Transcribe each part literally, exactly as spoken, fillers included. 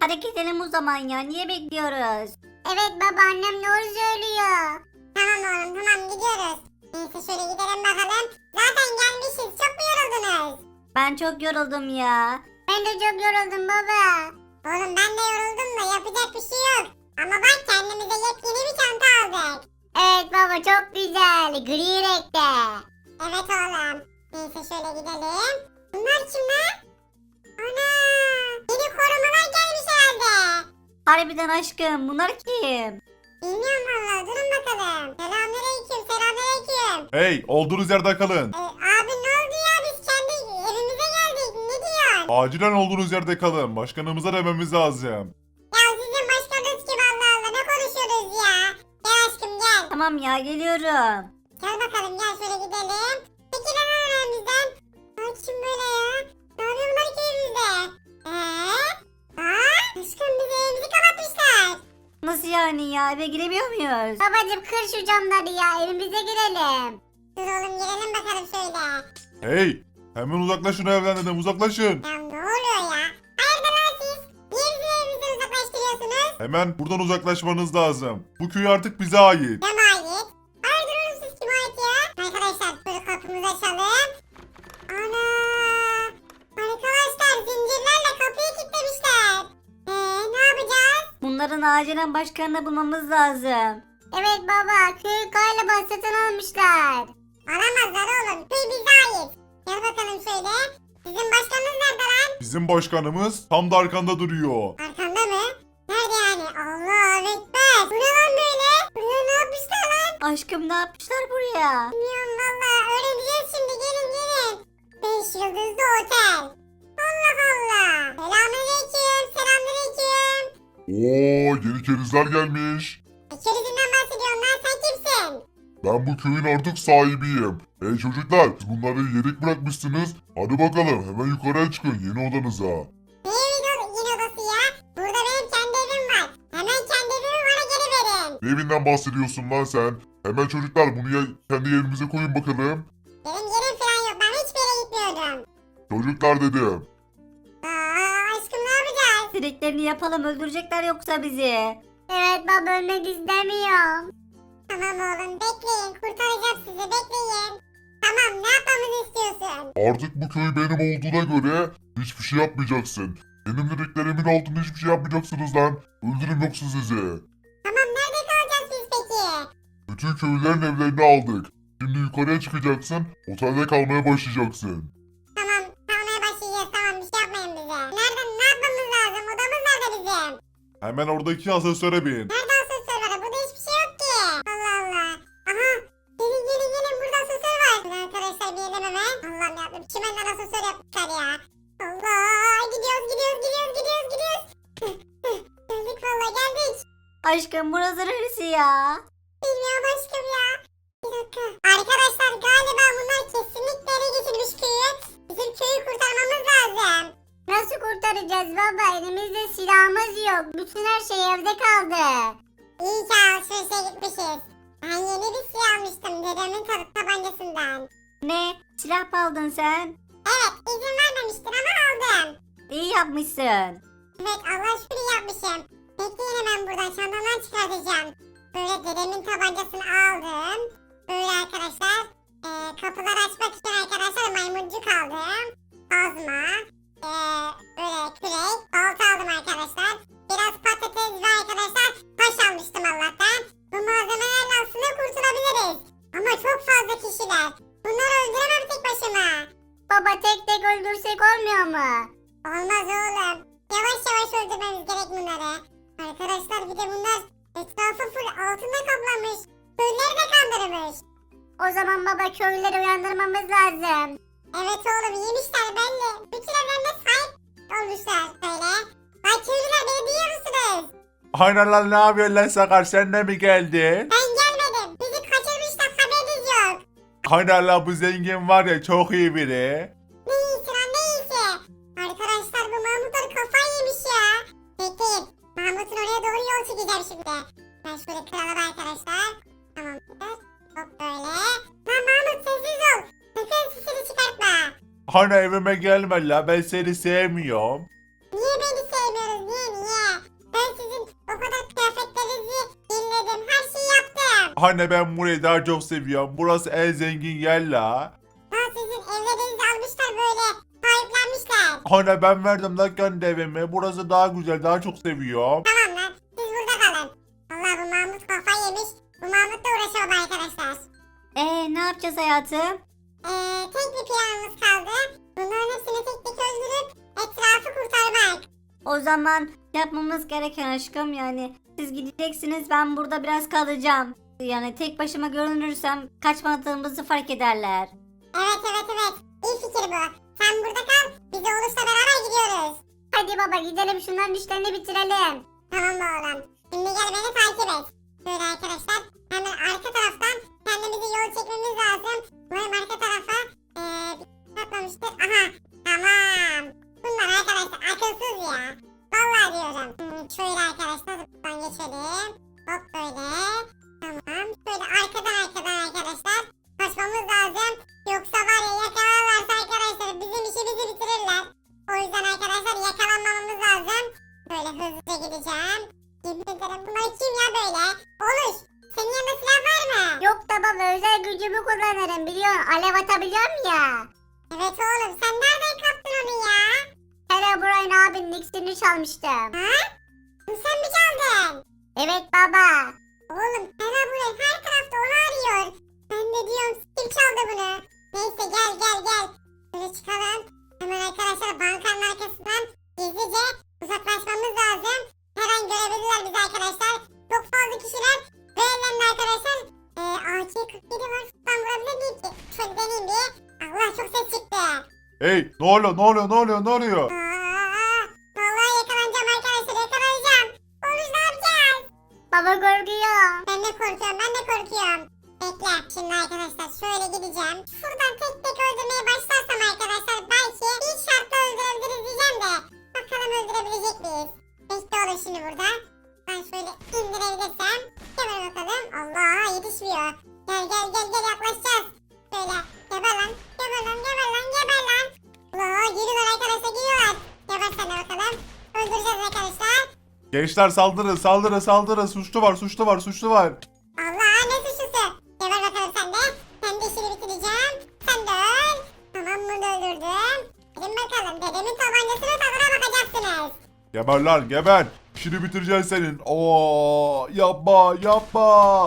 Hadi gidelim o zaman ya. Niye bekliyoruz? Evet baba annem doğru söylüyor. Tamam oğlum tamam gidiyoruz. Neyse şöyle gidelim bakalım. Zaten gelmişiz. Çok mu yoruldunuz? Ben çok yoruldum ya. Ben de çok yoruldum baba. Oğlum ben de yoruldum da yapacak bir şey yok. Ama bak kendimize yepyeni bir çanta aldık. Evet baba çok güzel. Gri renkte. Evet oğlum. Neyse şöyle gidelim. Bunlar kimler? Ana! Yeni korumalar gelmiş herhalde. Harbiden aşkım, bunlar kim? Bilmiyorum valla durun bakalım. Selamünaleyküm selamünaleyküm. Hey, olduğunuz yerde kalın. Ee, abi ne oldu ya biz kendi evimize geldik. Ne diyorsun? Acilen olduğunuz yerde kalın. Başkanımıza dememiz lazım. Ya sizin başkanınız kim Allah Allah ne konuşuyoruz ya? Gel aşkım gel. Tamam ya, geliyorum. Gel bakalım gel şöyle gidelim. Peki lan önümüzden. Ay kim böyle ya? Ne yapıyor bunlar ki evimizde? Eee? Aa? Aşkım bizi evimizi kapatmışlar. Nasıl yani ya? Eve giremiyor muyuz? Babacım kır şu camları ya evimize girelim. Dur oğlum girelim bakalım şöyle. Hey, hemen uzaklaşın evden dedim, uzaklaşın. Ya ne oluyor ya? Hayırdır lan siz? Niye bizi evimizden uzaklaştırıyorsunuz? Hemen buradan uzaklaşmanız lazım. Bu köy artık bize ait. Kime ait? Hayırdır oğlum siz kime ait ya? Arkadaşlar şöyle kapımızı açalım. Ana! Arkadaşlar zincirlerle kapıyı kilitlemişler. Eee ne yapacağız? Bunların acilen başkanını bulmamız lazım. Evet baba köy galiba satın almışlar. Alamazlar oğlum köy bize ait. Gel bakalım şöyle. Sizin başkanınız nerede lan? Bizim başkanımız tam da arkanda duruyor. Arkanda mı? Nerede yani? Allah ekber. Bu ne lan böyle? Buraya ne yapmışlar lan? Aşkım, ne yapmışlar buraya? Bilmiyorum valla. Öğreneceğiz şimdi. Gelin gelin. Beş yıldızlı otel. Allah Allah. Selamünaleyküm. Selamünaleyküm. Oo, yeni kerizler gelmiş. E, kerizinden bahsediyorsun lan. Sen kimsin? Ben bu köyün artık sahibiyim. Hey çocuklar, siz bunları yedik bırakmışsınız. Hadi bakalım, hemen yukarıya çıkın yeni odanıza. Ne evin o- yeni odası ya? Burada benim kendi evim var. Hemen kendi evimi bana geri verin. Ne evinden bahsediyorsun lan sen? Hemen çocuklar bunu ya kendi yerinize koyun bakalım. Benim yerim falan yok. Ben hiçbir yere gitmiyordum. Çocuklar dedim. Aa aşkım ne yapacağız? Dediklerini yapalım, öldürecekler yoksa bizi. Evet baba ölmek istemiyorum. Tamam oğlum bekleyin kurtaracağım sizi bekleyin. Tamam ne yapmamızı istiyorsun? Artık bu köy benim olduğuna göre hiçbir şey yapmayacaksın. Benim dediklerimin altında hiçbir şey yapmayacaksınız lan. Öldürün yoksa sizi. Tamam nerede kalacağız biz peki? Bütün köylülerin evlerini aldık. Şimdi yukarıya çıkacaksın, otelde kalmaya başlayacaksın. Tamam kalmaya başlayacağız tamam bir şey yapmayın bize. Nereden ne yapmamız lazım odamız nerede bizim? Hemen oradaki asansöre bin. Nerede asansör var burada hiçbir şey yok ki. Allah Allah. Aha gelin gelin gelin burada asansör var. Şöyle arkadaşlar binelim hemen. Allah'ım yarabbim çimenden asansör yapmışlar ya. Allah gidiyoruz gidiyoruz gidiyoruz gidiyoruz gidiyoruz. Geldik valla geldik. Aşkım, burası neresi ya? Bilmiyorum aşkım ya. Bir dakika. Arkadaşlar galiba bunlar kesinlikle ele geçirmiş köyü. Bizim köyü kurtarmamız lazım. Nasıl kurtaracağız baba? Elimizde silahımız yok. Bütün her şey evde kaldı. İyi ki alışverişe gitmişiz. Ben yeni bir silah almıştım dedemin tab tabancasından. Ne? Silah mı aldın sen? Evet izin vermemiştin ama aldım. İyi yapmışsın. Evet Allah şükür iyi yapmışım. Bekleyin hemen buradan çantamdan çıkartacağım. Böyle dedemin tabancasını aldım. Böyle arkadaşlar e, kapıları açmak için arkadaşlar maymuncuk aldım. Kazma. E, böyle kürek. Balta aldım arkadaşlar. Biraz patates ve arkadaşlar taş almıştım Allah'tan. Bu malzemelerle aslında kurtulabiliriz. Ama çok fazla kişiler. Bunları öldüremem tek başıma. Baba tek tek öldürsek olmuyor mu? Olmaz oğlum. Yavaş yavaş öldürmemiz gerek bunları. Arkadaşlar bir de bunlar etrafı full altında kaplamış. Köyleri de kandırmış. O zaman baba köyleri uyandırmamız lazım. Evet oğlum yemişler belli. Bütün evlerine sahip olmuşlar böyle. Ay köylüler beni duyuyor musunuz? Aynen lan, ne yapıyorsun lan Sakar, sen de mi geldin? Ben gelmedim. Bizi kaçırmışlar haberiniz yok. Aynen lan, bu zengin var ya, çok iyi biri. Ne iyisi lan ne iyisi. Arkadaşlar bu Mahmutlar kafayı yemiş ya. Bekleyin. Mahmut'un oraya doğru yol çekeceğim şimdi. Ben şöyle kıralım arkadaşlar. Tamamdır. Hop böyle. Lan Mahmut sessiz ol. Sakın sesini çıkartma. Hani evime gelme la, ben seni sevmiyorum. Niye beni sevmiyoruz niye niye? O kadar kıyafetlerinizi dinledim. Her şeyi yaptım. Anne ben burayı daha çok seviyorum. Burası en zengin yer la. Daha sizin evlerinizi almışlar böyle. Sahiplenmişler. Anne ben verdim lan kendi evime. Burası daha güzel, daha çok seviyorum. Tamam lan. Siz burada kalın. Allah bu Mahmut kafayı yemiş. Bu Mahmut'la uğraşalım arkadaşlar. Ee ne yapacağız hayatım? Ee, tek bir planımız kaldı. Bunların hepsini tek tek öldürüp etrafı kurtarmak. O zaman yapmamız gereken aşkım yani siz gideceksiniz ben burada biraz kalacağım. Yani tek başıma görünürsem kaçmadığımızı fark ederler. Evet evet evet. İyi fikir bu. Sen burada kal. Biz de Oğuz'la beraber gidiyoruz. Hadi baba gidelim şunların işlerini bitirelim. Tamam mı oğlum? Şimdi gel beni takip et. Böyle arkadaşlar hemen arka taraftan kendimizi yol çekmemiz lazım. Umarım arka tarafa ee, bir şey atmamıştır. Aha tamam. Bunlar arkadaşlar akılsız ya. Vallahi diyorum. Hmm, şöyle arkadaşlar buradan geçelim. Hop böyle. Tamam. Şöyle arkadan arkadan arkadaşlar kaçmamız lazım. Yoksa var ya yakalarlarsa arkadaşlar bizim işimizi bitirirler. O yüzden arkadaşlar yakalanmamamız lazım. Böyle hızlıca gideceğim. Yemin ederim bunlar kim ya böyle? Oluş. Senin yanında silah var mı? Yok da baba özel gücümü kullanırım biliyorsun. Alev atabiliyorum ya. Evet oğlum sen nereden kaptın onu ya? Herobrine abinin iksirini çalmıştım. Ha? Bunu sen mi çaldın? Evet baba. Oğlum Hera buraya her tarafta onu arıyor. Ben de diyorum kim çaldı bunu? Neyse gel gel gel. Şöyle çıkalım. Hemen arkadaşlar bankanın arkasından gizlice uzaklaşmamız lazım. Her an görebilirler bizi arkadaşlar. Çok fazla kişiler ve ellerinde arkadaşlar e, A K kırk yedi var. Ben vurabilir miyim ki? Şöyle deneyeyim bir. Allah çok ses çıktı. Hey ne oluyor ne oluyor ne oluyor ne oluyor? Aa, vallahi yakalanacağım arkadaşlar yakalanacağım. Oğlum ne yapacağız? Baba korkuyor. Ben de korkuyorum ben de korkuyorum. Bekle şimdi arkadaşlar şöyle gideceğim. Şuradan tek tek öldürmeye başlarsam arkadaşlar belki bir şartla öldürebiliriz diyeceğim de. Bakalım öldürebilecek miyiz? Bekle olur şimdi burada. Ben şöyle indirebilirsem. Hemen bakalım. Allah yetişmiyor. Gel gel gel gel yaklaşacağız. Şöyle geber lan geber lan geber lan geber lan. Allah geliyorlar arkadaşlar geliyorlar. Geber sen de bakalım. Öldüreceğiz arkadaşlar. Gençler saldırın saldırın saldırın. Suçlu var suçlu var suçlu var. Allah ne suçlusu. Geber bakalım sen de. Sen de işini bitireceğim. Sen de öl. Tamam bunu da öldürdüm. Gelin bakalım dedemin tabancasının tadına bakacaksınız. Geber lan geber. İşini bitireceksin senin. Oo yapma yapma.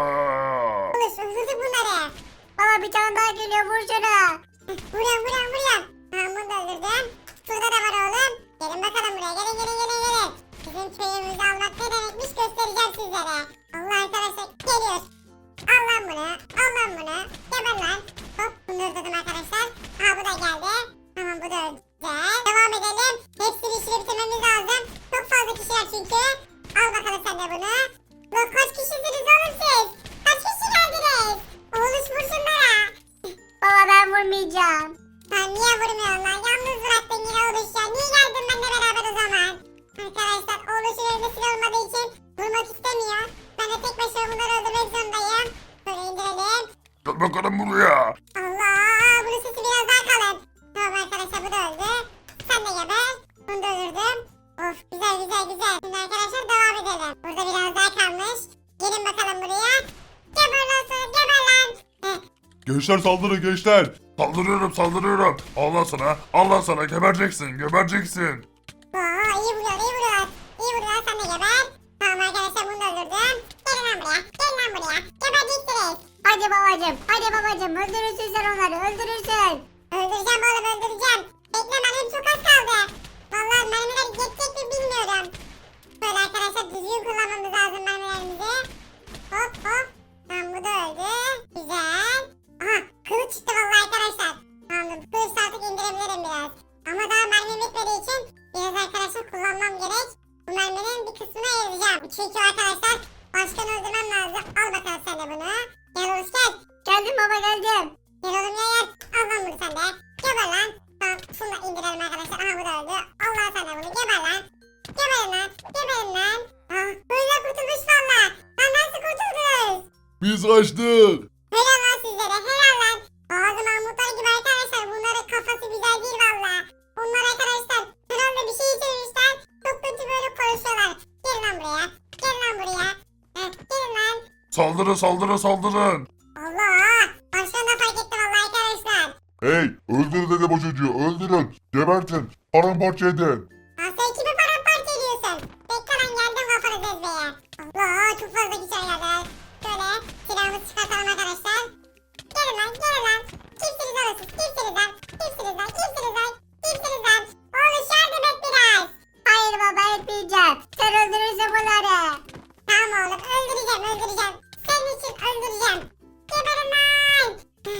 Aa. Uluş öldürdük bunları. Baba bir tane daha geliyor vur şunu. Vuruyorum vuruyorum vuruyorum. Tamam bunu da öldürdüm. Şurada da var oğlum. Gelin bakalım buraya gelin gelin gelin gelin. Bizim köyümüzü almak ne demekmiş göstereceğim sizlere. Allah arkadaşlar geliyor. Al lan bunu. Al lan bunu. Geber lan. Hop bunu öldürdüm arkadaşlar. Aa bu da geldi. Tamam bu da öldü. Güzel. Devam edelim. Hepsini işini bitirmemiz lazım. Çok fazla kişiler çünkü. Al bakalım sen de bunu. Lan kaç kişisiniz oğlum siz? Kaç kişi geldiniz? Oğluş vur şunlara. Baba ben vurmayacağım. Sen niye vurmuyorsun lan? Yalnız bıraktın yine Oğluş ya. Niye geldin benimle beraber o zaman? Arkadaşlar Oğluş'un elinde silah olmadığı için vurmak istemiyor. Ben de tek başıma bunları öldürmek zorundayım. Böyle indirelim. Gel bakalım buraya. Allah! Bunun sesi biraz daha kalın. Tamam arkadaşlar bu da öldü. Sen de geber. Bunu da öldürdüm. Of güzel güzel güzel. Şimdi arkadaşlar devam edelim. Burada biraz daha kalmış. Gelin bakalım buraya. Geber lan sana geber lan. Heh. Gençler saldırın gençler. Saldırıyorum saldırıyorum. Allah sana Allah sana gebereceksin gebereceksin. Aa, iyi vuruyor iyi vuruyor. İyi vuruyor sen de geber. Tamam arkadaşlar bunu da öldürdüm. Gelin lan buraya. Gelin lan buraya. Gebereceksiniz. Hadi babacım hadi babacım öldürürsün sen onları öldürürsün. Öldüreceğim oğlum öldüreceğim. Bekle benim çok az kaldı. Vallahi mermiler yetecek mi bilmiyorum. Böyle arkadaşlar düzgün kullanmamız lazım mermilerimizi. Hop hop. Tamam bu da öldü. Güzel. Aha kılıç çıktı vallahi arkadaşlar. Tamam kılıç artık indirebilirim biraz. Ama daha mermim bitmediği için biraz arkadaşlar kullanmam gerek. Bu merminin bir kısmını ayıracağım. Çünkü arkadaşlar başkanı öldürmem lazım. Al bakalım sen de bunu. Gel Oğuz gel. Geldim baba geldim. Gel oğlum ya gel. Al lan bunu sen de. Geber lan. Tamam şunu da indirelim arkadaşlar. Aha bu da öldü. Allah sen de bunu geber lan. Geberin lan. Geberin lan. Ah böyle kurtulmuş valla. Lan nasıl kurtuldunuz? Biz kaçtık. Helal lan sizlere helal lan. Bazı Mahmutlar gibi arkadaşlar bunların kafası güzel değil valla. Bunlar arkadaşlar herhalde bir şey içirmişler. Çok kötü böyle konuşuyorlar. Gelin lan buraya. Saldırın saldırın saldırın. Allah. Başkan da fark etti vallahi arkadaşlar. Hey öldürün dedim o çocuğu öldürün. Gebertin. Paramparça edin. Lan sen kimi paramparça ediyorsun? Bekle lan geldim kafanı ezmeye. Allah çok fazla güzel yerler. Şöyle silahımızı çıkartalım arkadaşlar. Gelin lan gelin lan. Kimsiniz oğlum siz? Kimsiniz lan? Kimsiniz lan? Kimsiniz lan? Kimsiniz lan? Oğlum yardım et biraz. Hayır baba etmeyeceğim. Sen öldürürsün bunları. Tamam oğlum öldüreceğim öldüreceğim. Senin için öldüreceğim. Geberin lan.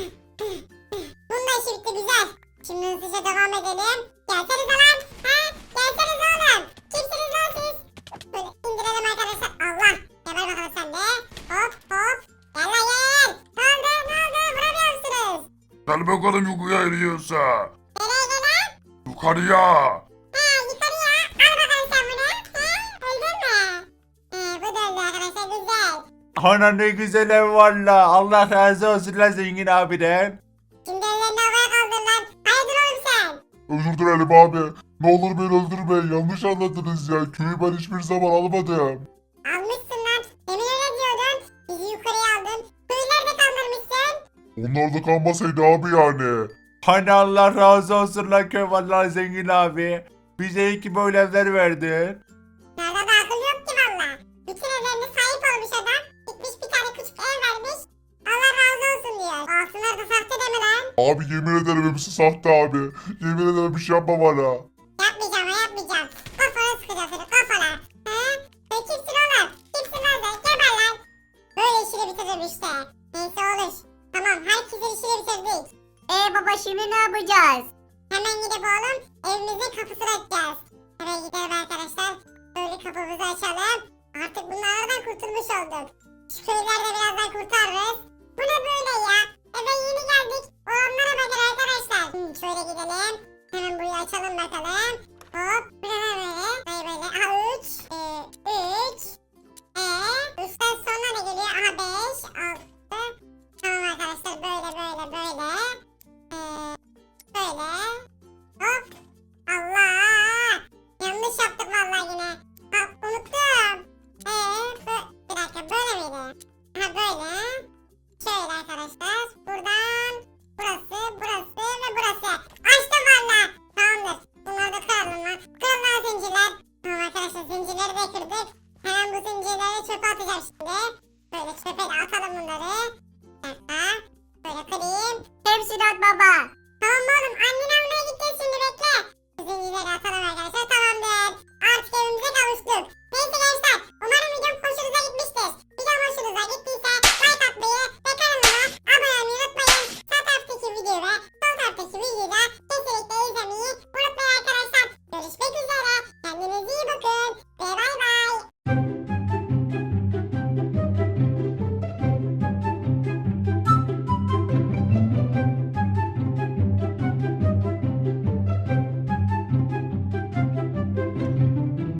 Bunun da işi bitti güzel. Şimdi hızlıca devam edelim. Gelsenize lan. Ha? Gelsenize oğlum. Kimsiniz lan siz? Böyle indirelim arkadaşlar. Allah. Geber bakalım sen de. Hop hop. Gel lan gel. Ne oldu ne oldu? Vuramıyor musunuz? Gel bakalım yukarıya eriyorsa. Nereye gel lan? Yukarıya. Ha yukarıya. Al bakalım sen bunu. Ha? Öldün mü? He bu da öldü arkadaşlar güzel. Ana ne güzel ev var la. Allah razı olsun la zengin abiden. Şimdi ellerini havaya kaldır lan. Hayırdır oğlum sen? Özür dilerim abi. Ne olur beni öldürmeyin. Yanlış anladınız ya. Köyü ben hiçbir zaman almadım. Almışsın lan. Demin öyle diyordun. Bizi yukarıya aldın. Köyü nerede kaldırmışsın? Onlar da kalmasaydı abi yani. Hani Allah razı olsun la köy vallahi zengin abi. Bize iyi ki böyle evler verdin. Nerede de akıl yok ki valla. Bütün evlerine sahip olmuş adam. Gitmiş bir tane küçük ev vermiş. Allah razı olsun diyor. Altınlar da sahte deme lan. Abi yemin ederim hepsi sahte abi. Yemin ederim bir şey yapma bana. Yapmayacağım ha yapmayacağım. Kafana sıkacağım seni kafana. He? Sen kimsin oğlum? Kimsin lan sen? Geber lan. Böyle işini bitirdim işte. Neyse olur. Tamam herkesin işini bitirdik. Ee baba şimdi ne yapacağız? Hemen gidip oğlum evimizin kapısını açacağız. Hemen gidelim arkadaşlar. Böyle kapımızı açalım. Artık bunlardan kurtulmuş olduk. Şu köyleri de birazdan kurtarırız. Bu ne böyle ya? Eve yeni geldik. Olanlara bakın arkadaşlar. Hmm, şöyle gidelim. Hemen burayı açalım bakalım. Hop. Bu ne lan böyle? Böyle böyle. Aha üç. Ee, üç. Ee, üçten sonra ne geliyor? Aha beş. Altı. Tamam arkadaşlar böyle böyle böyle. Ee, böyle.